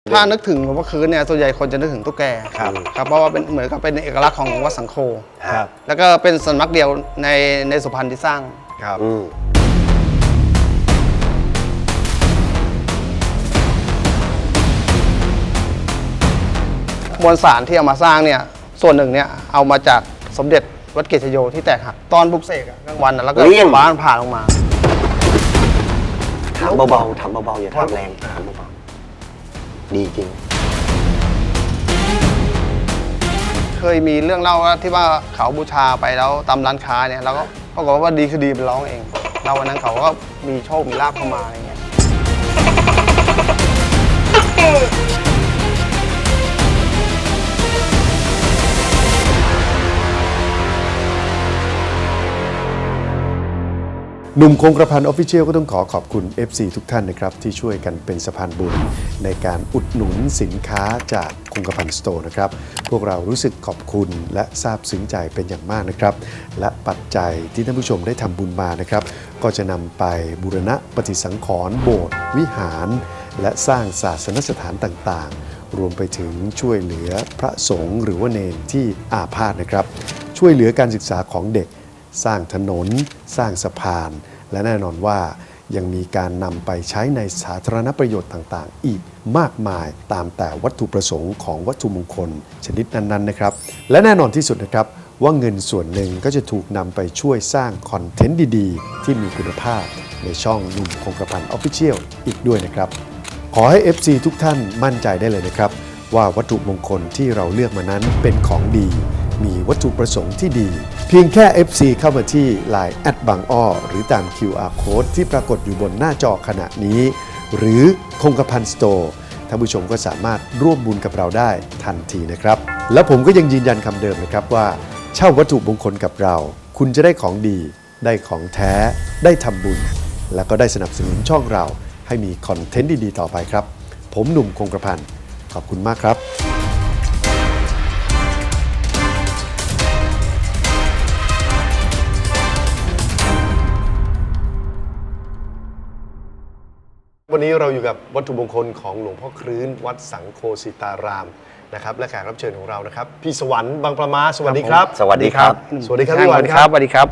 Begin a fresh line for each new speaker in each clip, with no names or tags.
ถ้านึกถึงหลวงพ่อคืนเนี่ยส่วนใหญ่คนจะนึกถึงตุ๊กแกครับเพราะว่าเป็นเหมือนกับเป็นเอกลักษณ์ของวัดสังโฆแล้วก็เป็นสำนักเดียวในสุพรรณที่สร้างครับมวลสารที่เอามาสร้างเนี่ยส่วนหนึ่งเนี่ยเอามาจากสมเด็จวัดเกศโยที่แตกหักตอนบุกเสกกลางวันแล้วก็ฟ้าผ่าลงมา
ถามเบาๆถามเบาๆอย่าทำแรงถามเบาๆดีจริง
เคยมีเรื่องเล่าว่าที่ว่าเขาบูชาไปแล้วตามร้านค้าเนี่ยแล้วก็ปรากฏว่าดีคือดีเป็นร้องเองเราวันนั้นเขาก็มีโชคมีลาภเข้ามาอะไรเงี้ย
หนุ่มคงกระพัน Official ก็ต้องขอบคุณ FC ทุกท่านนะครับที่ช่วยกันเป็นสะพานบุญในการอุดหนุนสินค้าจากคงกระพันสโตร์นะครับพวกเรารู้สึกขอบคุณและซาบซึ้งใจเป็นอย่างมากนะครับและปัจจัยที่ท่านผู้ชมได้ทำบุญมานะครับก็จะนำไปบูรณะปฏิสังขรณ์โบสถ์วิหารและสร้างศาสนสถานต่างๆรวมไปถึงช่วยเหลือพระสงฆ์หรือว่าเณรที่อาพาธนะครับช่วยเหลือการศึกษาของเด็กสร้างถนนสร้างสะพานและแน่นอนว่ายังมีการนำไปใช้ในสาธารณประโยชน์ต่างๆอีกมากมายตามแต่วัตถุประสงค์ของวัตถุมงคลชนิดนั้นๆนะครับและแน่นอนที่สุดนะครับว่าเงินส่วนหนึ่งก็จะถูกนำไปช่วยสร้างคอนเทนต์ดีๆที่มีคุณภาพในช่องหนุ่มคงกระพัน Official อีกด้วยนะครับขอให้ FC ทุกท่านมั่นใจได้เลยนะครับว่าวัตถุมงคลที่เราเลือกมานั้นเป็นของดีมีวัตถุประสงค์ที่ดีเพียงแค่ FC เข้ามาที่ Line บางอ้อหรือตาม QR Code ที่ปรากฏอยู่บนหน้าจอขณะนี้หรือคงกระพันสโตร์ท่านผู้ชมก็สามารถร่วมบุญกับเราได้ทันทีนะครับและผมก็ยังยืนยันคำเดิมนะครับว่าเช่าวัตถุมงคลกับเราคุณจะได้ของดีได้ของแท้ได้ทำบุญและก็ได้สนับสนุนช่องเราให้มีคอนเทนต์ดีๆต่อไปครับผมหนุ่มคงกระพันขอบคุณมากครับวันนี้เราอยู่กับวัตถุมงคลของหลวงพ่อครื้นวัดสังโฆสิตารามนะครับและแขกรับเชิญของเรานะครับพี่สวรรค์บางประมาสวัสดีครับ
สวัสดีครับ
สวัสดีครับพี่สวรรค์ครับ
สวัสดีครับ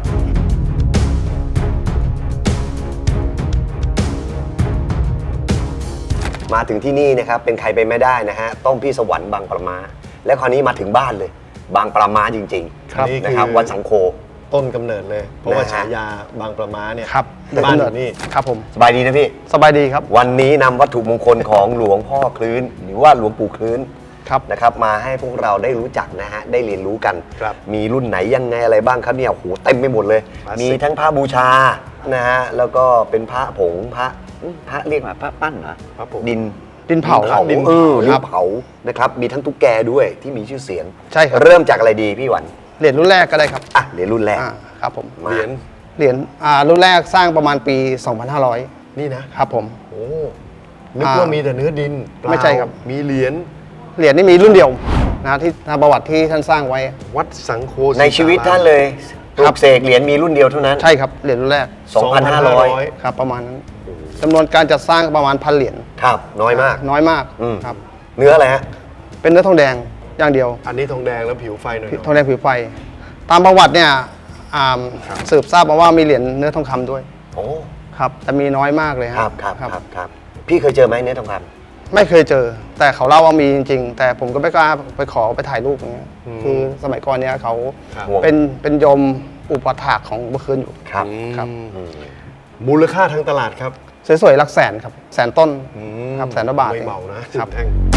มาถึงที่นี่นะครับเป็นใครไปไม่ได้นะฮะต้องพี่สวรรค์บางประมาและคราวนี้มาถึงบ้านเลยบางประมาจริงๆนะครับวัดสังโฆ
ต้นกำเนิดเลยเพราะว่าฉายาบางประมาเนี่ย
ครับ
บ้านอยู่นี่
ครับผม
สบายดีนะพี่
สบายดีครับ
วันนี้นำวัตถุมงคลของหลวงพ่อครื้นหรือว่าหลวงปู่ครื้นนะครับมาให้พวกเราได้รู้จักนะฮะได้เรียนรู้กันมีรุ่นไหนยังไงอะไรบ้างครับเนี่ยโอ้โหเต็มไปหมดเลยมีทั้งพระบูชานะฮะแล้วก็เป็นพระผงพระเรียกว่าพระปั้นเหรอ
พระผง
ดินเผาดินเผานะครับมีทั้งตุ๊กแกด้วยที่มีชื่อเสียง
ใช่ครับ
เริ่มจากอะไรดีพี่หวัน
เหรียญรุ่นแรกก็ได้ครับ
เหรียญรุ่นแรก
ครับผม
เหรียญ
รุ่นแรกสร้างประมาณปี 2500
นี่นะครับ
ผม
โอ้นึกว่ามีแต่เนื้อดิน
ไม่ใช่ครับ
มีเหรียญ
นี่มีรุ่นเดียวนะที่ประวัติที่ท่านสร้างไว้
วัดสังโฆ
ในชีวิตท่านเลยปลุกเสกเหรียญมีรุ่นเดียวเท่านั้น
ใช่ครับเหรียญรุ่นแรก
2,500
ครับประมาณนั้นจำนวนการจัดสร้างประมาณ1,000 เหรียญ
ครับน้อยมาก
ครับ
เนื้ออะไรฮะ
เป็นเนื้อทองแดงอย่างเดียว
อันนี้ทองแดงแล้วผิวไฟหน่อย
ทองแดงผิวไฟตามประวัติเนี่ยสืบทราบมาว่ามีเหรียญเนื้อทองคำด้วย
โอ้
ครับแต่มีน้อยมากเลย
ครับพี่เคยเจอไหมเนื้อทองคำ
ไม่เคยเจอแต่เขาเล่าว่ามีจริงๆแต่ผมก็ไม่กล้าไปขอไปถ่ายรูปอย่างเงี้ยคือสมัยก่อนเนี้ยเขาเป็นโยมอุปถากของเมื่อคืนอยู่
ครับ
มูลค่าทางตลาดครับ
สวยๆหลักแสนครับแสนต้นครับ100,000 บาท
ไม่เบานะครับ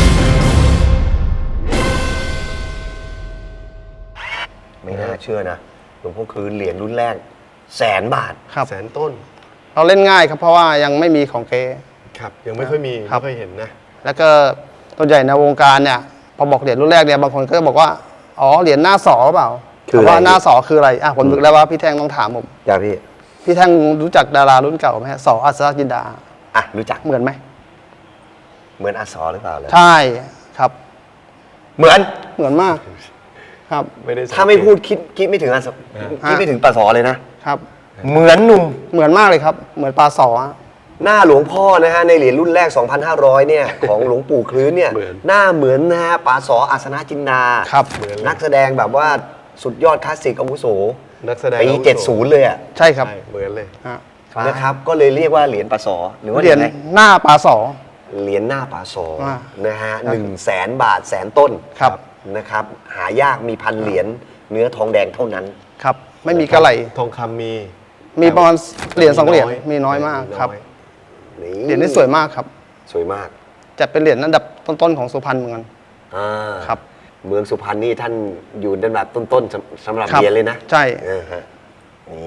ไม่น่าเชื่อนะหลวงพ่อครื้นเหรียญรุ่นแรก100,000 บาท
ครับ
แสนต้น
เราเล่นง่ายครับเพราะว่ายังไม่มีของเก๊
ครับยังไม่ค่อยมีไม่ค่อยเห็นนะ
แล้วก็ตัวใหญ่ในวงการเนี่ยพอบอกเหรียญรุ่นแรกเนี่ยบางคนก็จะบอกว่าอ๋อเหรียญหน้าสอเปล่าว่าหน้าสอคืออะไรผมนึกแล้วว่าพี่แท่งต้องถามผม
จ้า
พี่แท่งรู้จักดารารุ่นเก่าไหมสออัศรจินดา
รู้จัก
เหมือนไหม
เหมือนอัศรหรือเปล่า
ใช่ครับ
เหมือน
มากครับ
ถ้าไม่พูดคิดไม่ถึงอัศรคิดไม่ถึงปลาสอเลยนะครับ
เหมือนมากเลยครับเหมือนปลาสอ
หน้าหลวงพ่อนะฮะในเหรียญรุ่นแรก 2,500 เนี่ย ของหลวงปู่คลื้นเนี่ย
เหมือน
หน้าเหมือนนะฮะป๋าสออาสนะจินดา
ครับ
นักแสดงแบบว่าสุดยอดคลาสสิกอาวุโส
นักแสดง
ปี
อาวุโส
70 เลยอ่ะ
ใช่ครับ
ใช่เหมือนเลย
ฮะ
นะครับก็เลยเรียกว่าเหรียญป๋าสอหรือว่า
เหรียญ
ไง
หน้าปลาสอ
เหรียญหน้าป๋าสอ
อ่า
นะฮะ100,000 บาทแสนต้น
ครับ
นะครับหายากมีพันเหรียญเนื้อทองแดงเท่านั้น
ครับ ไม่มีกระไหล
ทองคำมี
มีประมาณเหรียญ2เหรียญ
น้อย
มีน้อยมากครับ
น้อย
เหรียญนี้สวยมากครับ
สวยมาก
จัดเป็นเหรียญอันดับต้นๆของสุพรรณเหมือนกัน
อ่า
ครับ
เมืองสุพรรณนี่ท่านอยู่ในแบบต้นๆสำหรับ
ครับ
เหรียญเลยนะ
ใช่
ฮะนี่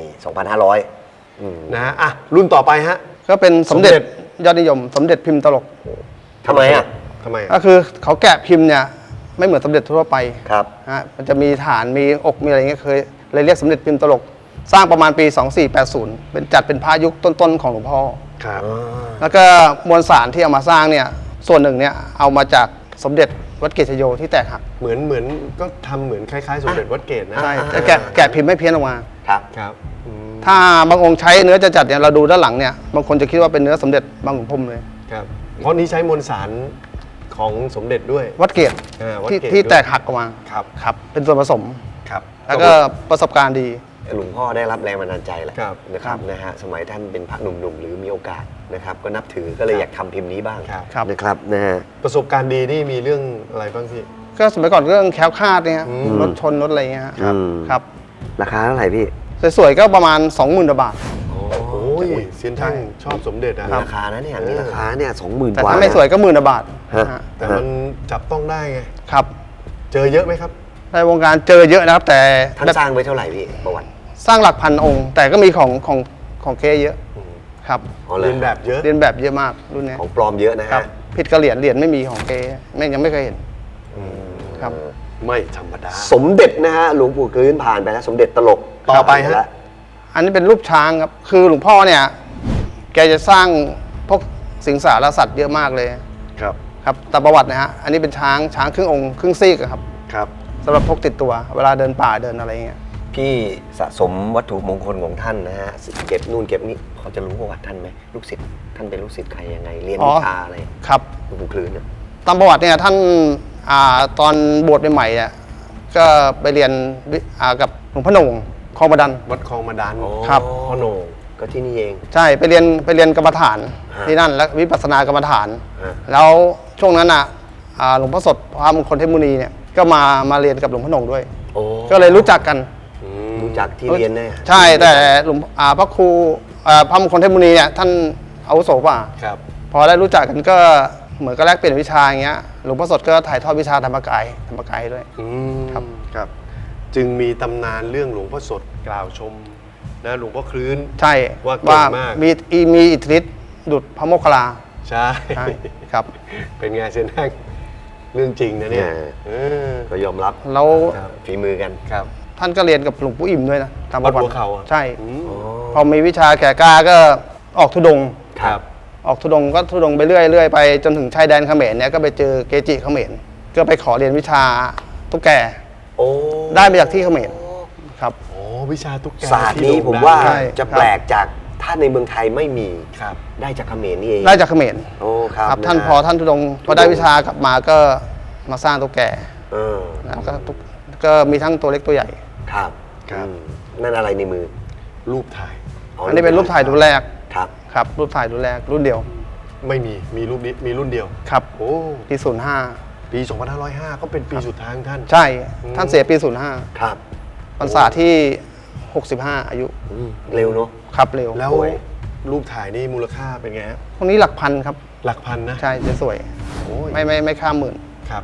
2,500อืม
นะฮะอ่ะรุ่นต่อไปฮะ
ก็เป็นสมเด็จ
สมเด็จ
ยอดนิยม สมเด็จพิมพ์ตลก
ทำไมอ่ะ
ทำไม
ก็คือเขาแกะพิมพ์เนี่ยไม่เหมือนสมเด็จทั่วไป
ครับ
ฮะมันจะมีฐานมีอกมีอะไรเงี้ยเคยเลยเรียกสมเด็จพิมพ์ตลก สร้างประมาณปี 2480 เป็นจัดเป็นพระยุคต้นๆของหลวงพ่อ
ครับ
แล้วก็มวลสารที่เอามาสร้างเนี่ยส่วนหนึ่งเนี่ยเอามาจากสมเด็จวัดเกศโยที่แตกหัก
เหมือนก็ทำเหมือนคล้ายๆ สมเด็จวัดเกตนะ
ใช่แต่แกะพิมพ์ไม่เพี้ยนออกมา
ครับ
ครับอืม
ถ้าบางองค์ใช้เนื้อจัดๆเนี่ยเราดูด้านหลังเนี่ยบางคนจะคิดว่าเป็นเนื้อสมเด็จบางขุนพรหมเลย
ครับเพราะนี้ใช้มวลสารของสมเด็จด้วย
วัดเกศ
วัด
ที่
เกต
ที่
ด้วย
แตกหักออกมา
ครับ
ครับเป็นส่วนผสม
ครับ
แล้วก็ประสบการณ์ดี
หลวงพ่อได้รับแรงบันดาลใจแหละ
ครับ
นะครับนะฮะสมัยท่านเป็นพระหนุ่มๆ หรือมีโอกาสนะครับก็นับถือก็เลยอยากทำพิมพ์นี้บ้าง
ครับ
ครับ
นะครับนะฮะ
ประสบการณ์ดีนี่มีเรื่องอะไรบ้างพี่
ก็สมัยก่อนเรื่องแคล้วคลาดเนี่ยฮะ
อืม
รถชนรถอะไรเงี้ยฮะ
ครับ
ครับ
ราคาเท่าไหร่พี่
สวยๆก็ประมาณ 20,000 บาท
โอ้ยเซียนท่านชอบสมเด็จนะ
มีราคานะเนี่ยมีราคาเนี่ย20,000
แต่
กว่า
ถ้าไม่สวยก็10,000 บาท
ฮะ
ฮะ
แต่มันจับต้องได้ไง
ครับ
เจอเยอะไหมครับ
ในวงการเจอเยอะนะครับ แต่
ท่าน
แบบ
สร้างไว้เท่าไหร่พี่ประวัติ
สร้างหลักพันองค์ แต่ก็มีของเก๊เยอะครับ
อ๋อหรอ
เรียนแบบเยอะ
เรียนแบบเยอะมากรุ่นเนี้ย
ของปลอมเยอะนะ
ครั
ฮะ
บผิดกระเหรียญไม่มีของเก๊แม่งยังไม่เคยเห็นครับ
ไม่ธรรมดา
สมเด็จนะฮะหลวงปู่คลื้นผ่านไปแล้วสมเด็จตลก
ต่อไปฮะ
แล้ว
อันนี้เป็นรูปช้างครับ คือหลวงพ่อเนี่ย แกจะสร้างพวกสิงสารสัตว์เยอะมากเลย
ครับ
ครับตามประวัตินะฮะ อันนี้เป็นช้างครึ่งองค์ครึ่งซีกอะครับ
ครับ
สำหรับพกติดตัว เวลาเดินป่าเดินอะไรเงี้ย
พี่สะสมวัตถุมงคลของท่านนะฮะเก็บนู่นเก็บนี่เขาจะรู้ประวัติท่านไหมลูกศิษย์ท่านเป็นลูกศิษย์ใครยังไงเรียน
อ๋อ
วิชาอะไร
ครับ
หลวงปู่คลื้นเนี่ย
ตามประวัติเนี่ยท่านตอนบวชใหม่ๆเนี่ยก็ไปเรียนกับหลวงพ่อโหน่งคลองประดัน
วัดคลองมาดัน
ครับ
พ่อโหน่ง
ก็ที่นี่เอง
ใช่ไปเรียนกรรมฐาน
ฮะ
ที่นั่นแล้ววิปัสสนากรรมฐาน
ฮะ
แล้วช่วงนั้นหลวงพ่อสดพระมงคลเทพมุนีเนี่ยก็มาเรียนกับหลวงพ่อโหน่งด้วย
โอ้
ก็เลยรู้จักกัน
รู้จักที่เรียนเนี่ย
ใช่แต่หลวงพระครูพระมงคลเทพมุนีเนี่ยท่านอาวุโสกว่า
ครับ
พอได้รู้จักกันก็เหมือนก็แลกเปลี่ยนวิชาอย่างเงี้ยหลวงพ่อสดก็ถ่ายทอดวิชาธรรมกายด้วย ครับ
ครับ จึงมีตำนานเรื่องหลวงพ่อสดกล่าวชมนะหลวงพ่อคลื้น
ใช่
ว่าเก่งมาก
มีอิทธิฤทธิ์ดุจพระโมคคัลลา
ใช่
ใช่ครับ
เป็นไงเซนแห้งเรื่องจริงนะเนี่ยเออ
ก็ยอมรับ
แล้ว
ครับ
ฝีมือกัน
ครับ
ท่านก็เรียนกับหลวงปู่อิ่มด้วยนะตามประวั
วัดหั
ติ
วเขาอะ
ใช่
อืม
พอมีวิชาแก่กล้าก็ออกธุดงค์
ครับ
ออกธุดงค์ก็ธุดงค์ไปเรื่อยไปจนถึงชายแดนเขมรเนี่ยก็ไปเจอเกจิเขมรก็ไปขอเรียนวิชาตุ๊กแก
โอ้
ได้มาจากที่เขมรครับ
โอ้วิชาตุ๊กแก
ศาสตร์
ที่
นี้
โด่ง
ผม
ดัง
ว่า
ใช่
จะแปลกจากถ้าในเมืองไทยไม่มี
ครับ
ได้จากเขมรนี่เอง
ได้จากเขมร
โอ้ครับ
ครับท่านะ
ฮะ
พอท่านธุดงค์พอได้วิชากลับมาก็มาสร้างตุ๊กแก
เออ
นะก็มีทั้งตัวเล็กตัวใหญ่
ครับ
ครับ
อืมนั่นอะไรในมือ
รูปถ่าย
อันนี้เป็นรูปถ่ายรุ่นแรก
ครับ
ครับรูปถ่ายรุ่นแรกรุ่นเดียว
ไม่มีรูปนี้มีรุ่นเดียว
ครับ
โอ้
ปี
ปี 2505 ก็เป็นปีสุดท้ายของท่าน
05ใช่ ท่านเสียปี
ครับ
05พรรษาที่ 65 อายุ
อืมเร็วเนาะ
ครับเร็ว
แล้ว
สวย
รูปถ่ายนี่มูลค่าเป็นไงฮะ
พวกนี้หลักพันครับ
หลักพันนะ
ใช่จะสวย
โอ้ย
ไม่ข้ามหมื่น
ครับ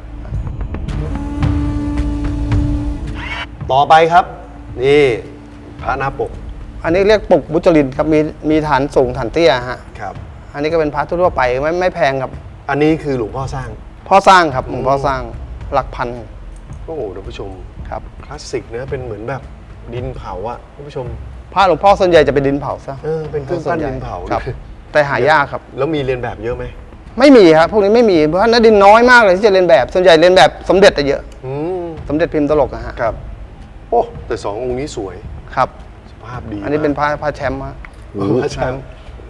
ต่อไปครับ นี่พระหน้าปก
อันนี้เรียกปกบุจรินครับมีฐานสูงฐานเตี้ยฮะ
ครับ
อันนี้ก็เป็นพระทั่วๆไปไม่แพงครับ
อันนี้คือหลวงพ่อสร้าง
พ่อสร้างครับหลวงพ่อสร้างหลักพัน
โอ้โหท่านผู้ชม
ครับ
คลาสสิกเนะเป็นเหมือนแบบดินเผาอะท่านผู้ชม
พระหลวงพ่อส่วนใหญ่จะเป็นดินเผาซะ
เป็นเครื่องปั้นดินเผา
ครับ แต่หายากครับ
แล้วมีเรียนแบบเยอะไหม
ไม่มีครับพวกนี้ไม่มีเพราะนักดินน้อยมากเลยที่จะเรียนแบบส่วนใหญ่เรียนแบบสมเด็จแต่เยอะ
อืม
สมเด็จพิมพ์ตลกนะฮะ
ครับ โอ้แต่สององค์นี้สวย
ครับ
สภาพดี
อันนี้เป็นพระแชมป์ฮะ
พระแชมป์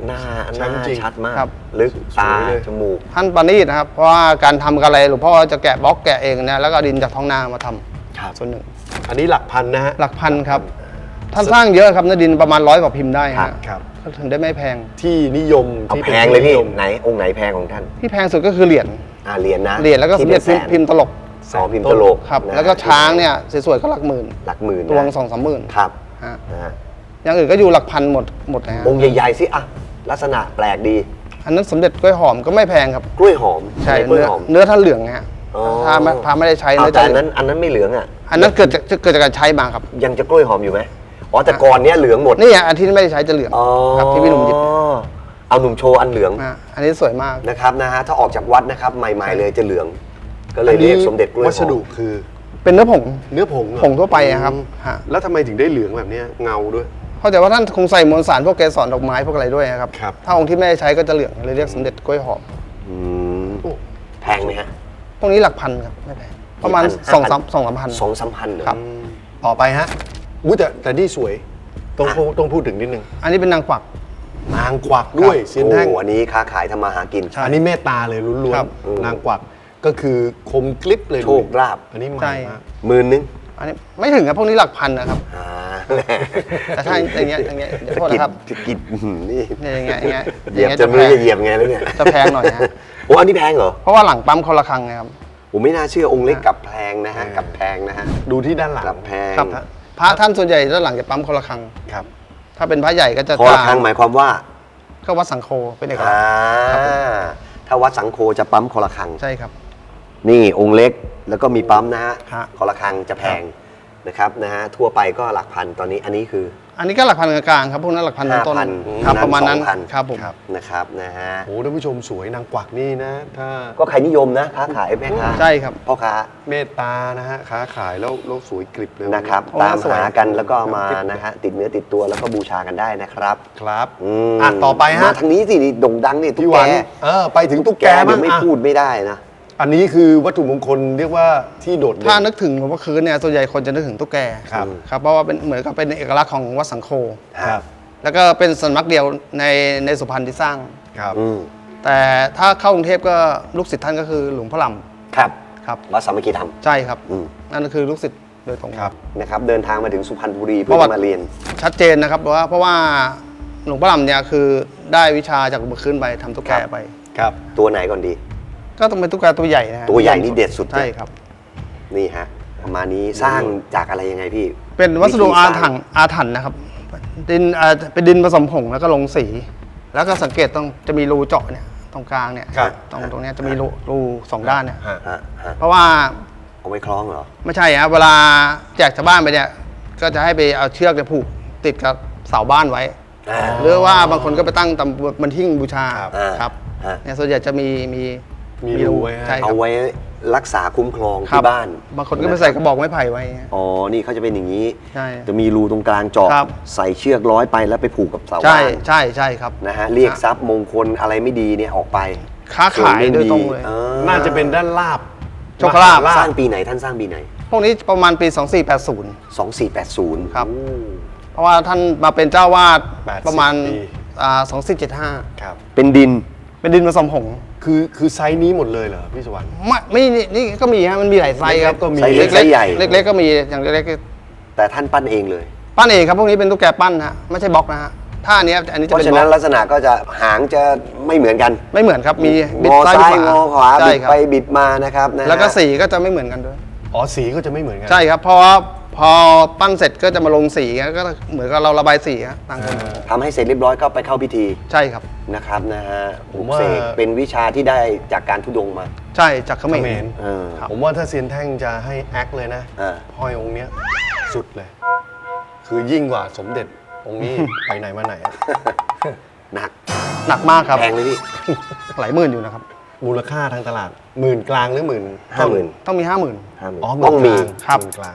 หน้า
ใช่จริง
ชัดมาก
ครับ
ลึก
ส
ตา
วยเลย
จมูก
ท่านประณีตนะครับ เพราะว่าการทำอะไรหลวงพ่อจะแกะบล็อกแกะเองนะแล้วก็ดินจากท้องนามาทำ
ครับ
ส่วนหนึ่ง
อันนี้หลักพันนะฮะ
หลักพันครับ ท่านสร้างเยอะครับเนื้อดินประมาณ100 กว่าพิมพ์ได้
ครับ
ฮะ
ครับ
ก็ถึงได้ไม่แพง
ที่นิยม
เอา
ที่
แพงเลยพี่
นิม
ไหนองค์ไหนแพงของท่าน
ที่แพงสุดก็คือเหรียญ
เหรียญนะ
เหรียญแล้วก็สมเด็จ
ที่เป็นแสน
พิมพ์ตลก
สองพิมพ์ตลก
ครับ
นะ
แล้วก็ช้างเนี่ยสวยๆก็หลักหมื่น
หลักหมื่นนะ
ตัวง2-3 หมื่น
ครับ
ฮะ
นะฮะ
อย่างอื่นก็อยู่หลักพันหมดนะฮะ
องค์ใหญ่ๆสิอะลักษณะแปลกดี
อันนั้นสมเด็จกล้วยหอมก็ไม่แพงครับ
กล้วยหอม
ใช่
กล้วย
เนื้อ
หอม
เนื้อท่านเหลืองนะฮะ
อ๋อ
ถ้าไม่ได้ใช้
เอา
เนื้อ
แต่
จะ
อันนั้นไม่เหลืองอ่ะ
อันนั้นเกิดจากการใช้มาครับ
ยังจะกล้วยหอมอยู่ไหมอ๋อแต่ก่อนเนี้ยเหลืองหมด
นี่อันที่ไม่ได้ใช้จะเหลือง
อ๋อ
ครับที่พี่หนุ่มหยิบ
เอาหนุ่มโชว์อันเหลือง
อันนี้สวยมาก
นะครับนะฮะถ้าออกจากวัดนะครับใหม่ๆเลยจะเหลือง ก็เลยเรียกสมเด็จกล้วยหอม
วัสดุคือ
เป็นเนื้อผง
เนื้อผงเหรอ
ผงทั่วไปอะครับฮะ
แล้วทำไมถึงได้เหลืองแบบเนี้ยเงาด้วย
เข้าใจว่าท่านคงใส่มวลสารพวกเกสรดอกไม้พวกอะไรด้วยนะครับ
ครับ
ถ้าองค์ที่ไม่ได้ใช้ก็จะเหลืองเลยเรียกสมเด็จกล้วยหอม
อืม
โอ้
แพงไหมฮะ
พวกนี้หลักพันครับไม่แพงประมาณ
กี่พัน
สองสามพัน
2-3 พันเหรอ
ครับ
ต่อไปฮะอุ้ยแต่นี่สวยต้องพูดถึงนิดนึง
อันนี้เป็นนางกวัก
นางกวักด้วยเซียนแท่ง
โอ้อันนี้ค้าขายทำมาหากิน
อันนี้เมตตาเลยล้วน
ครับ
ๆนางกวักก็คือคมกลิบเลย
โชคลาภ
อันนี้ใหม่
ใช่
มาก
10,000
อันนี้ไม่ถึงครับพวกนี้หลักพันนะครับ
อ่า
แต่ถ้าอย่างเงี้ยเดี๋ยวโทษนะครับ
สะกิดนี่
เนี่ยอย่างเงี้ย
เหยียบ
อย่างเงี้ย
จะ
จะ
มือ
แพง
จะเหยียบไงแล้วเนี่ย
จะแพงหน่อยฮะ
โอ้อันนี้แพงเหรอ
เพราะว่าหลังปั๊มคนละครังไงครับ
ผมไม่น่าเชื่อองค์เล็กกับแพงนะฮะกับแพงนะฮะ
ดูที่ด้านหลัง
กับแพง
ครับพระท่านส่วนใหญ่ด้านหลังจะปั๊มคนละครัง
ครับ
ถ้าเป็นพระใหญ่ก็จะ
พอละครั้งหมายความว่า
ก็วัดสังโฆเป็นเอกลักษ
อ่า
ณ์
ถ้าวัดสังโฆจะปั๊มคอละครัง
ใช่ครับ
นี่องค์เล็กแล้วก็มีปั๊มนะฮะ
ฮะ
คอละครังจะแพงนะครับนะฮะทั่วไปก็หลักพันตอนนี้อันนี้คือ
อันนี้ก็หลักพันกลางๆครับพวกนั้นหลักพันต้น
5,000
ๆครับประมาณนั้น
2,000
ครับผม
นะครับนะฮะ
โอ้ท่านผู้ชมสวยนางกวักนี่นะ ถ้า
ก็ใครนิยมนะค้าขายแม่ค้า
ใช่ครับ
พ่อค้า
เมตตานะฮะค้าขายแล้วสวยกริบเลย
นะครับ
โอ้
ตาม
สวย
หากันแล้วก็เอามานะฮะติดเนื้อติดตัวแล้วก็บูชากันได้นะครับ
ครับ
ม
อ่ะต่อไป
มา
ฮะ
ทางนี้สินี่โด่งดังนี่ตุ๊
พี่
ก
ห
แก
วันไปถึงตุ๊กแก
เดี๋
บ้าย ง
วไม่
อ่ะ
พูดไม่ได้นะ
อันนี้คือวัตถุมงคลเรียกว่าที่โดดเด่น
ถ้านึกถึงหลวงพ่อคืนเนี่ยส่วนใหญ่คนจะนึกถึงตุ๊กแก
ครับ
ครับเพราะว่าเป็นเหมือนกับเป็นเอกลักษณ์ของวัดสังโฆ
ครับ
แล้วก็เป็นสำนักเดียวในสุพรรณที่สร้าง
ครับ
อืม
แต่ถ้าเข้ากรุงเทพก็ลูกศิษย์ท่านก็คือหลวงพ่อล
ครับ
ำครับ
วัดสามัคคีธรรม
ใช่ครับ
อืม
นั่นก็คือลูกศิษย์โดยตรง
ครับ
นะครับเดินทางมาถึงสุพรรณบุรีเพื่
ประ
อ
วัติ
จะมาเรียน
ชัดเจนนะครับเพราะว่าหลวงพ่อลำเนี่ยคือได้วิชาจากหลวงพ่อคืนไปทำตุ๊กแก
ครับ
ไป
ครับ
ตัวไหนก่อนดี
ก็ต้องเป็นตุ๊กแกตัวใหญ่นะฮะ
ตัวใหญ่นี่เด็ดสุด
ใช่ครับ
นี่ฮะประมาณนี้สร้างจากอะไรยังไงพี่
เป็นวัสดุ
ธี
อา
สร้
ถรรพ์อาถรรพ์นะครับดินเป็นดินผสมผงแล้วก็ลงสี แล้วก็สังเกตต้องจะมีรูเจาะเนี่ยตรงกลางเนี่ย
ครับ
ตรงเนี้ยจะมีรูสองด้านเนี่ย
ฮะ
ฮะฮะ
เพราะว่า
เอาไว้คล้องเหรอ
ไม่ใช่ครับเวลาแจกชาวบ้านไปเนี่ยก็จะให้ไปเอาเชือกเนี่ยผูกติดกับเสาบ้านไว้
อ่า
หรือว่าบางคนก็ไปตั้งตำบนหิ้งบูชา
ครับ
ครับ
ฮะ
เนี่ยส่วนใหญ่จะมี
มีรูไว้ให้
ใช่ครั
เอา
บ
ไว้รักษาคุ้มครอง
ครั
ที่บ้าน
บางคนก็ไปใส่กระบอกไม้ไผ่ไว้
อ๋อนี่เขาจะเป็นอย่างนี้
ใช่
จะมีรูตรงกลางเจาะ
ครับ
ใส่เชือกร้อยไปแล้วไปผูกกับเสา
ใช่
บ้าน
ใช่ครับ
นะฮะเรียกทรัพย์มงคลอะไรไม่ดีเนี่ยออกไป
ค้าขายโดยตรงเลย
น่าจะเป็นด้านลาบ
โชคลาภ
มห
สร้างปีไหนท่านสร้างปีไหน
พวกนี้ประมาณปี 2480
2480
ครับ เพราะว่าท่านมาเป็นเจ้าวาด
80
ประมาณ
ปี
2475
ครับ
เป็นดิน
เป็นดินผสมผง
คือไซส์นี้หมดเลยเหรอพี่สวรรค์
ไม่นี่ก็มีฮะมันมีหลายไซส์ครับ
เล็กๆก็มี
ไซส์เล็กไซส์ใหญ่
เล็กๆก็มีอย่างเล็ก
แต่ท่านปั้นเองเลย
ๆปั้นเองครับพวกนี้เป็นตุ๊กแกปั้นฮะไม่ใช่บล็อกนะฮะถ้าอันเนี้ยอันนี้
เพ
จะเป็
ราะ
น
ฉะ
บล็
นั้น
อก
ลักษณะก็จะหางจะไม่เหมือนกัน
ไม่เหมือนครับมี
งอซ้าย
บิด
งอขวา
ใช่
บิด
ครับ
ไปบิดมานะครับนะฮะ
แล้วก็สีก็จะไม่เหมือนกันด้วย
อ๋อสีก็จะไม่เหมือนกัน
ใช่ครับเพราะว่าพอปั้นเสร็จก็จะมาลงสีก็เหมือนกับเราระบายสีฮะต่างคน
ทำให้เสร็จเรียบร้อยก็ไปเข้าพิธี
ใช่ครับ
นะครับนะฮะ
ผมว่า
เสกเป็นวิชาที่ได้จากการทุดงค์มา
ใช่จากเขม
เข
ร
มร
เออ
ครับ
ผมว่าถ้าเซียนแท่งจะให้แอคเลยนะ
อ่า
ห้อยองค์เนี้ยสุดเลย คือยิ่งกว่าสมเด็จองค์นี้ ไปไหนมาไหนอะ
หนัก
หนักมากครับ
แพงเลยพี่
หลายหมื่นอยู่นะครับ
มูลค่าทางตลาดหมื่นกลางหรือหมื่น
50,000
ต้องมี 50,000
อ๋อ
ต้องมี
ครับ
หมื่นกลาง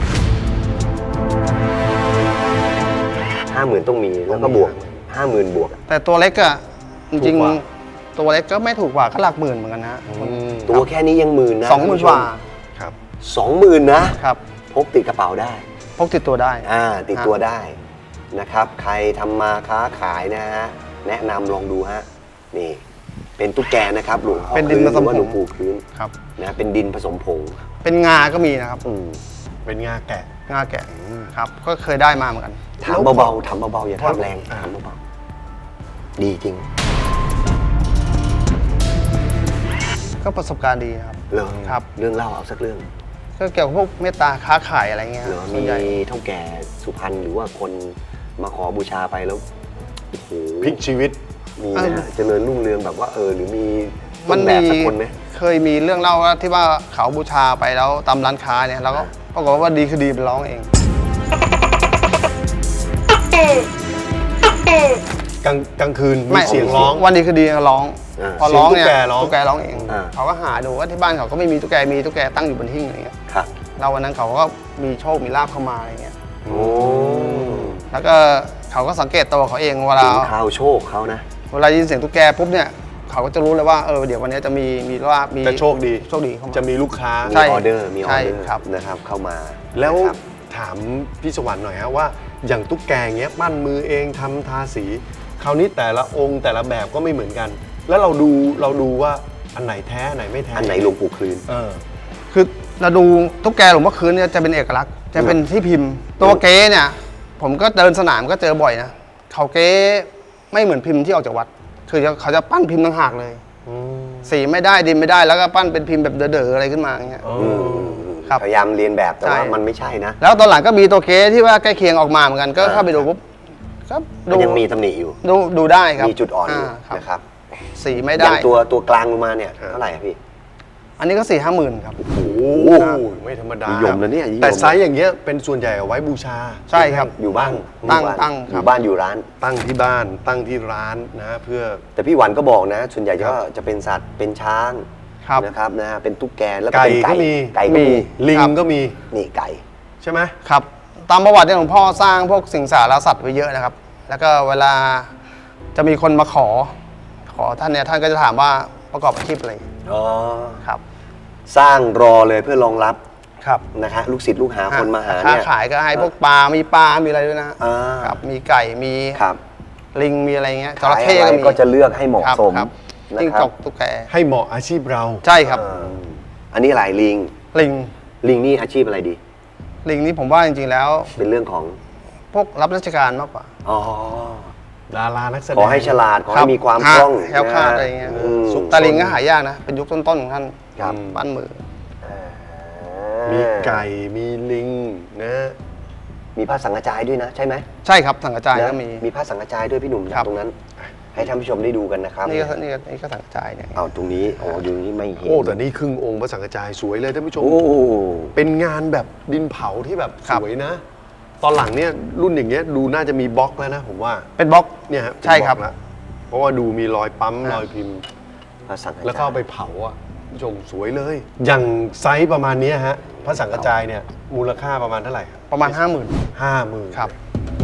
50,000ต้องมีแล้วก็บวก 50,000 บวก
แต่ตัวเล็กอะจ
ถู
ริง
กกว่า
ๆตัวเล็กก็ไม่ถูกกว่าก็หลักหมื่นเหมือนกันนะ
ตัวแค่นี้ยังหมื่นนะ
20,000 กว่า
ครับ
20,000นะครับ พกติดกระเป๋าได้
พกติดตัวได้
ติดตัวได้นะครับ ใครทำมาค้าขายนะฮะแนะนำลองดูฮะนี่เป็นตุ๊กแกนะครับหลวงพ่อ
เป็นดินผสมผง
หรือว่าหลวงปู่คลื้น
ครับ
นะเป็นดินผสมผง
เป็นงาก็มีนะครับ
เป็นงาแกะ
งาแกะครับก็เคยได้มาเหมือนกัน
ถามเบาๆถามเบาๆอย่าถามแรงถามเบาๆดีจริง
ก็ประสบการณ์ดีนะครับ
เหรอ
ครับ
เรื่องเล่าเอาสักเรื่อง
ก็เกี่ยวกับพวกเมตตาค้าขายอะไรเงี้ย
เหรอ
ส่
มี
วนใหญ่
เท่าแก่สุพรรณหรือว่าคนมาขอบูชาไปแล้วโอ้โห
พลิกชีวิต
มีนะฮะเจริญรุ่งเรืองแบบว่าหรือมี
มั
ต้
น
นแบ
มี
บสักคนไหม
เคยมีเรื่องเล่าว่าที่ว่าเขาบูชาไปแล้วตามร้านค้าเนี่ยแล้วก็ปรากฏว่าดีคือดีเป็นร้องเอง
กลางคืนมีเสียงร้อง
วันดีคือดีร้อง
อ่า
พอร้องเนี่ย
เสียงตุ๊
ตุ๊
ก
ก
แก
แก
ร้
ร้
อ
อง งเอง
อ่า
เขาก็หาดูว่าที่บ้านเขาก็ไม่มีตุ๊กแกมีตุ๊กแกตั้งอยู่บนหิ้งอะไรเงี้ย
ครับ
เราวันนั้นเขาก็มีโชคมีลาภเข้ามาอะไรเงี้ย
โอ้
แล้วก็เขาก็สังเกตตัวเขาเองเวลา
ถึงข่าวโชคเขานะ
เวลายินเสียงตุ๊กแกปุ๊บเนี่ยเขาก็จะรู้เลยว่าเดี๋ยววันนี้จะมีลาภมี
จะโชคดี
โชคดีเข้ามา
จะมีลูกค้า
ใช่
มีออเดอร์มีออ
ใช่
เดอร์
ครับ
นะครับเข้ามา
แล้ว
นะครับ
ถามพี่สวรรค์หน่อยฮะว่าอย่างตุ๊กแกเงี้ยปั้นมือเองทำทาสี คราวนี้แต่ละองค์แต่ละแบบก็ไม่เหมือนกัน แล้วเราดูว่าอันไหนแท้อันไหนไม่แท้
อันไหนหลวงปู่คลืน
คือเราดูตุ๊กแกหลวงพ่อคืนเนี่ยจะเป็นเอกลักษณ์จะเป็นที่พิมพ์ ตัวเก๊เนี่ยผมก็เดินสนามก็เจอบ่อยนะเขาเก๊ไม่เหมือนพิมพ์ที่ออกจากวัด คือเขาจะปั้นพิมพ์ต่างหากเลยสีไม่ได้ดินไม่ได้แล้วก็ปั้นเป็นพิมพ์แบบเด๋อๆอะไรขึ้นมาอย่างเงี้ย ครับ
พยายามเรียนแบบแต่ว่า
ใช่
มันไม่ใช่นะ
แล้วตอนหลังก็มีตัวเก๊ที่ว่าใกล้เคียงออกมาเหมือนกันก็เข้าไปดูปุ๊บก็
มันยังมีตำหนิอยู่
ดูได้ครับ
มีจุดอ่อนอยู่
ครับ
นะครับ
สีไม่
อ
ได้
ย่างตัวกลางลงมาเนี่ยเท่าไหร่อะพี่
อันนี้ก็4-5 หมื่นครับ
โอ้โหไม่ธรรมดา
นิ
นิ
ยมนะเนี่ยนิยม
แต่ไซส์อย่างเงี้ยเป็นส่วนใหญ่เอาไว้บูชา
ใช่ครับ
อยู่บ้าน
ตั้ง
อยู่บ้าน
ตั้ง
อ
ครับ
ยู่บ้านอยู่ร้าน
ตั้งที่บ้านตั้งที่ร้านนะเพื่อ
แต่พี่หวันก็บอกนะ ส่วนใหญ่
ครับ
ก็จะเป็นสัตว์เป็นช้าง
ครับ
นะครับนะฮะเป็นตุ๊กแกแล้วก็
ไก่
เป็น
ก็มี
ไก่ก็มี
ลิง
ครับ
ก็มี
นี่ไก่
ใช่ไหม
ครับตามประวัติเนี่ยหลวงพ่อสร้างพวกสิงสารสัตว์ไว้เยอะนะครับ แล้วก็เวลาจะมีคนมาขอท่านเนี่ยท่านก็จะถามว่าประกอบอาชีพอะไร
อ๋อ
ครับ
สร้างรอเลยเพื่อรองรับ
ครับ
นะฮะลูกศิษย์ลูกหาคนมาหา
ค้า
เนี่ย
ขายก็ให้พวกปลา มีปลา มีอะไรด้วยนะ
อ่า
ครับมีไก่มี
ครับ
ลิงมีอะไรเงี้ยจ
ขาย
ระเข้
อะไร
ก็มี
ก็จะเลือกให้เหมาะสม
ครับ
นะ
จิ้ง
ครั
จ
บ
กตุ๊กแก
ให้เหมาะอาชีพเรา
ใช่ครับ
อันนี้หลายลิง
ลิง
ลิงนี่อาชีพอะไรดี
ลิงนี่ผมว่าจริงๆแล้ว
เป็นเรื่องของ
พวกรับราชการมากกว่า
อ๋อ
ดารานักแสดง
ขอให้ฉลาดขอ
ครั
ให้
บ
มีความ
ฮะ
คล่อง
แคล้วคลาด
น
อะไรเงี้ย
ม
แต่ลิงก็หายากนะ เป็นยุคต้นๆของท่าน
ครับ
ปั้นมือ
มีไก่มีลิงนะ
มีผ้าสังกระจายด้วยนะ ใช่ไหม
ใช่ครับสังกระจาย
นะ
ก็มี
มีผ้าสังกระจายด้วยพี่หนุ่ม
ครับ
ตรงนั้น ให้ท่านผู้ชมได้ดูกันนะครับ
นี่ก็สังกระจายเนี่ย
เอาตรงนี้อ๋ออยู่นี้ไม่เห็น
โอ้แต่นี่ครึ่งองค์พระสังฆจายสวยเลยท่านผู้ชม
โอ้
เป็นงานแบบดินเผาที่แบบ
ครั
ส
บ
วยนะ ตอนหลังเนี่ยรุ่นอย่างเงี้ยดูน่าจะมีบล็อกแล้วนะผมว่า
เป็นบล็อก
เนี่ยฮะเป็น
ใช่ครับ
ล็อกแล้วเพราะว่าดูมีรอยปั๊ม
ครับ
รอยพิมพ์
ผ้าสังกระจาย
แล้วก็เอาไปเผาอ่ะผู้ชมสวยเลย อย่างไซส์ประมาณเนี้ยฮะพระสังฆจายเนี่ยมูลค่าประมาณเท่าไหร่
ประมาณ 50,000
50,000
ครับ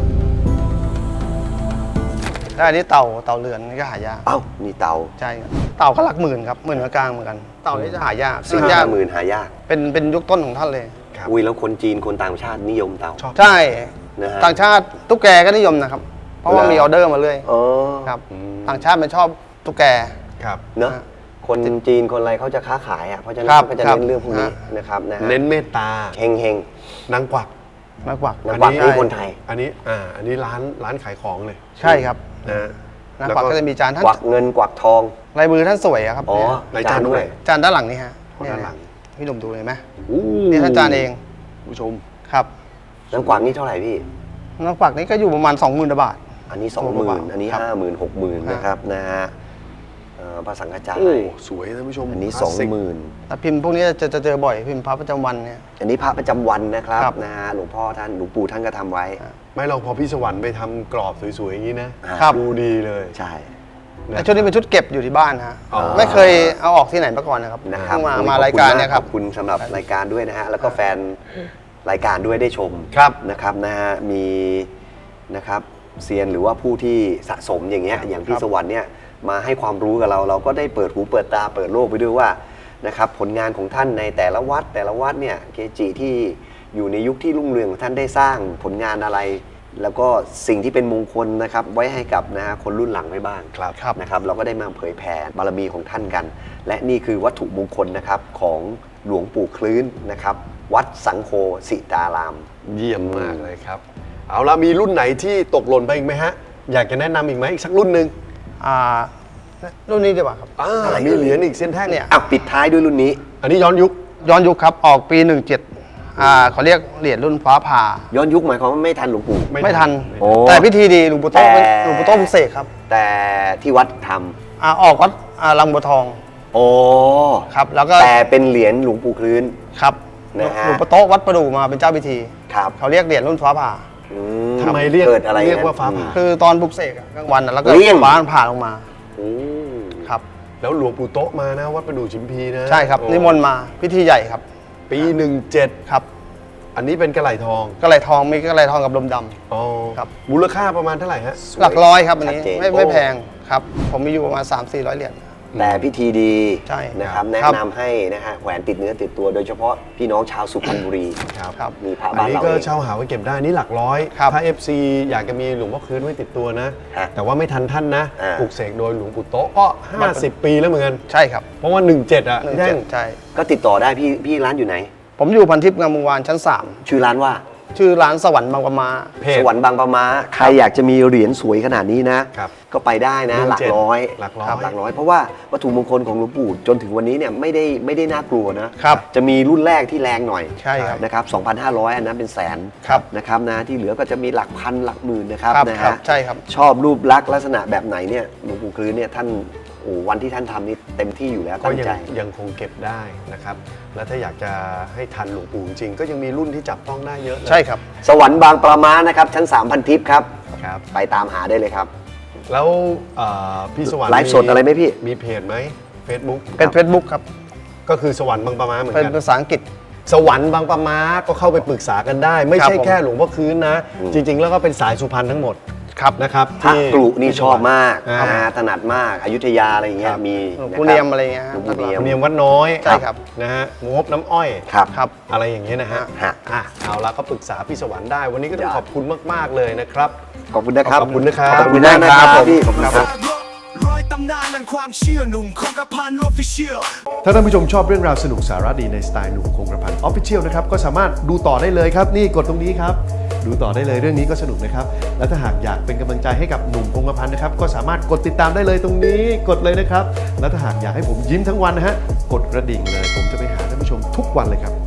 แล้วอันนี้เต่าเรือนนี่ก็หายาก
เอ้านี่เตา
ใช่ครับเต่าก็หลักหมื่นครับหมื่นกลางเหมือนกัน เต่านี่จะหายาก
ซึ่ง
ยาก
50,000หายาก
เป็นยุคต้นของท่านเลย
ครับ
อุ้ยแล้วคนจีนคนต่างชาตินิยมเตา
ชอบ
ใช่
นะฮะ
ต่างชาติตุ๊กแกก็นิยมนะครับ เพราะว่า
เหรอ
มีออเดอร์มาเรื่อย
อ๋อ
ครับต่างชาติมันชอบตุ๊กแก
ครับ
เนอะ
ฮะ
คนจีนคนอะไรเขาจะค้าขายอ่ะเพราะฉะนั้น
ครับ
เขาก็จะ
ครับ
เน้นเรื่องพวกนี้
ฮะ
นะครับนะฮะ
เน้นเมตตา
เฮงเฮง
นางกวัก
มากกว่า
ๆนักวักนี่คนไทย
อันนี้ร้านขายของเลย
ใช่ครับ
นะฮะ
นักกวักก็จะมีจานท่าน
กวักเงินกวักทอง
ลายมือท่านสวยอะครับ
อ๋อ
เนี่ย
ในจานด้วย
จานด้านหลังนี่ฮะ
อ๋อด้านหลัง
เนี่ยพี่หนุ่มดูเลยไหม
อู้
นี่ท่านจานเอง
ผู้ชม
ครับ
น้ำกวักนี่เท่าไหร่พี่
นักกวักนี่ก็อยู่ประมาณ 20,000 บาท
อันนี้
ตัวเบา
20,000
ๆ
อันนี้
ครับ
50,000 60,000นะครับนะฮะพระสังฆจาย
โอ้สวยท่านผู้ชม
อันนี้
คลาสสิก
20,000
แต่พิมพ์พวกนี้จะเจอบ่อยพิมพ์พระประจำวันเนี่ย
อันนี้พระประจำวันนะครับ
ครับ
นะฮะหลวงพ่อท่านหลวงปู่ท่านก็ทำไว้
ไม่เราพอพี่สวรรค์ไปทำกรอบสวยๆอย่างนี้นะครับ ดูดีเลย
ใช่
แต่ชุดนี้เป็นชุดเก็บอยู่ที่บ้านฮะ
อ๋อ
ไม่เคยเอาออกที่ไหนมาก่อนนะครับ
นะครับ
เพิ่งมา
วันนี้
มารายการเนี่ยครับ
ขอบคุณสำหรับรายการด้วยนะฮะแล้วก็แฟนรายการด้วยได้ชม
ครับ
นะครับนะฮะมีนะครับเซียนหรือว่าผู้ที่สะสมอย่างเงี้ยอย่างพี่
ครับ
สวรรค์เนี่ยมาให้ความรู้กับเราก็ได้เปิดหูเปิดตาเปิดโลกไปด้วยว่านะครับผลงานของท่านในแต่ละวัดเนี่ยเกจิที่อยู่ในยุคที่รุ่งเรืองของท่านได้สร้างผลงานอะไรแล้วก็สิ่งที่เป็นมงคลนะครับไว้ให้กับนะฮะคนรุ่นหลังไว้บ้าง
ครับ
นะครับเราก็ได้มาเผยแผ่บารมีของท่านกัน และนี่คือวัตถุมงคลนะครับของหลวงปู่คลื้นนะครับวัดสังโฆสิตาราม
เยี่ยมมากเลยครับ เอาละมีรุ่นไหนที่ตกหล่นไปอีกไหมฮะ อยากจะแนะนำอีกไหมอีกสักรุ่นหนึ่ง
อ่ารุ่นนี้ดีกว่าครับ
อะไร
มีเหรียญอีกเส้นแท่ง
เนี่ย
อ่ะปิดท้ายด้วยรุ่นนี้
อันนี้ย้อนยุค
ย้อนยุคครับออกปี 17เขาเรียกเหรียญรุ่นฟ้าผ่า
ย้อนยุคหมายความว่าไม่ทันหลวงปู่
ไม่ทัน
โอ้
แต่พิธีดีหลวงปู่โต้
แต่
หลวงปู่โต้ปลุกเสกครับ
แต่ที่วัดท
ออกวัดลำบัวทอง
ำโอ้
ครับ แล้วก็
แต่เป็นเหรียญหลวงปู่คลื้น
ครับ
นะฮะ
หลวงปู่โต้วัดประดู่มาเป็นเจ้าพิธี
ครับ
เขาเรียกเหรียญรุ่นฟ้าผ่า
อื
ทำไมเรียก
เกิดอะไร
เรียก
นะ
ว่าฟ้าผ่า
คือตอนปลุกเสกอะกลางวันอะแล้วก็
เลี่ยง
ฟ้าผ่าลงมา
อืม
ครับ
แล้วหลวงปู่โต๊ะมานะวัดประดู่ชิมพีนะ
ใช่ครับ
โอ้
นิมนต์มาพิธีใหญ่ครับ
ปี 17
ครับ
อันนี้เป็นกระไหล่ทอง
กระไหลทองมีกระไหลทองกับลมดำ
อ๋อ
ครับ
มูลค่าประมาณเท่าไหร่ฮะ
หลักร้อยครับอันนี้
ชัดเจน
ไม่แพงครับ ผมมีอยู่ประมาณ 300-400 เหรียญ
แต่พิธีดี
ใช่
นะครับ
ครับ
แนะนำให้นะฮะแหวนติดเนื้อติดตัวโดยเฉพาะพี่น้องชาวสุพรรณบุรี
ครับ
ครับ
มีพระ
อัน
บ้าน
นี้
เรา
ก็
เอง
เช่าหาไว้เก็บได้นี่หลักร้อย
ครับ
ถ้า FC อยากจะมีหลวงพ่อคืนไว้ติดตัวนะ
ฮะ
แต่ว่าไม่ทันท่านนะ
อ่า
ปลูกเสกโดยหลวงปู่โต๊ะก็ 50 ปีแล้วเหมือนกัน
ใช่ครับ
เพราะว่า 17 อ่ะ
หนึ่ง
แท่
เจ็
ง
ดใช่
ก็ติดต่อได้พี่ร้านอยู่ไหน
ผมอยู่พันทิพย์งามวงวานชั้น
ชื่อร้านว่า
3 ชื่อร้านสวรรค์บางปะมา
เพจ
สวรรค์บางปะมาใครอยากจะมีเหรียญสวยขนาดนี้นะ
ครับ
ก็ไปได้นะ หลักร้อย
หลักร้อย
ครับหลักร้อย เพราะว่าวัตถุมงคลของหลวงปู่จนถึงวันนี้เนี่ยไม่ได้น่ากลัวนะครับ จะมีรุ่นแรกที่แรงหน่อย
ใช่ครับ
นะครับ 2,500 อันนั้นเป็นแสน
ครับ
นะครับนะที่เหลือก็จะมีหลักพันหลักหมื่นนะครับ
ครับ
นะครับ
ใช่ครับ
ชอบรูปลักษณ์ลักษณะแบบไหนเนี่ยหลวงปู่คลื้นเนี่ยท่านโอ้วันที่ท่านทำนี่เต็มที่อยู่แล้ว
ก็
ตั้ง
ยัง
ใจ
ยังคงเก็บได้นะครับ แล้วถ้าอยากจะให้ทันหลวงปู่จริงๆก็ยังมีรุ่นที่จับต้องได้เยอะเลย
ใช่ครับ
สวรรค์บางปะมานะครับชั้น 3,000 ทิพย์ครับ
ครับ
ไปตามหาได้เลยครับ
แล้วพี่สวรรค์
ไลฟ์สดอะไรไหมพี่
มีเพจไหม Facebook
เป็น Facebook ครับ
ก็คือสวรรค์บางปะมาเหมือน
เป็น
กัน
ภาษาอังกฤษ
สวรรค์บางปะมาก็เข้าไปปรึกษากันได้ ไม่
ครับ
ใช่
ผม
แค่หลวงพ่อคืนนะ จริง ๆ แล้วก็เป็นสายสุพรรณทั้งหมด
ครับ
นะครับ
พระกรุนี่ชอบมาก
อ่า
ถนัดมากอยุธยาอะไรอย่างเงี้
ค
ย
รับ
มี
หลวง
นะ
ปู่
ค
เนีย
รั
ม
บ
อะไรเงี้ย
หลวงปู่เนียม
เนียมวัดน้อย
ใช่ครับ
นะฮะงบน้ำอ้อย
ครับ
ครับ
อะไรอย่างเงี้ยนะฮะ
ฮะ
อ่ะเอาละก็ปรึกษาพี่สวรรค์ได้ วันนี้ก็ต้อง
ยอด
ขอบคุณมากๆเลยนะครับ
ขอบคุณนะครับ
ขอบคุณนะครับ
ขอบคุณมากนะครับ
ขอบคุณครับ
พี่ขอบคุณครับ
ร้อยตำนานแห่งความเชื่อหนุ่มคงกระพันออฟฟิเชียล
ถ้าท่านผู้ชมชอบเรื่องราวสนุกสาระดีในสไตล์หนุ่มคงกระพันออฟฟิเชียลนะครับก็สามารถดูต่อได้เลยครับ นี่กดตรงนี้ครับ ดูต่อได้เลยเรื่องนี้ก็สนุกนะครับ และถ้าหากอยากเป็นกำลังใจให้กับหนุ่มคงกระพันนะครับก็สามารถกดติดตามได้เลยตรงนี้กดเลยนะครับ และถ้าหากอยากให้ผมยิ้มทั้งวันนะฮะกดกระดิ่งเลย ผมจะไปหาท่านผู้ชมทุกวันเลยครับ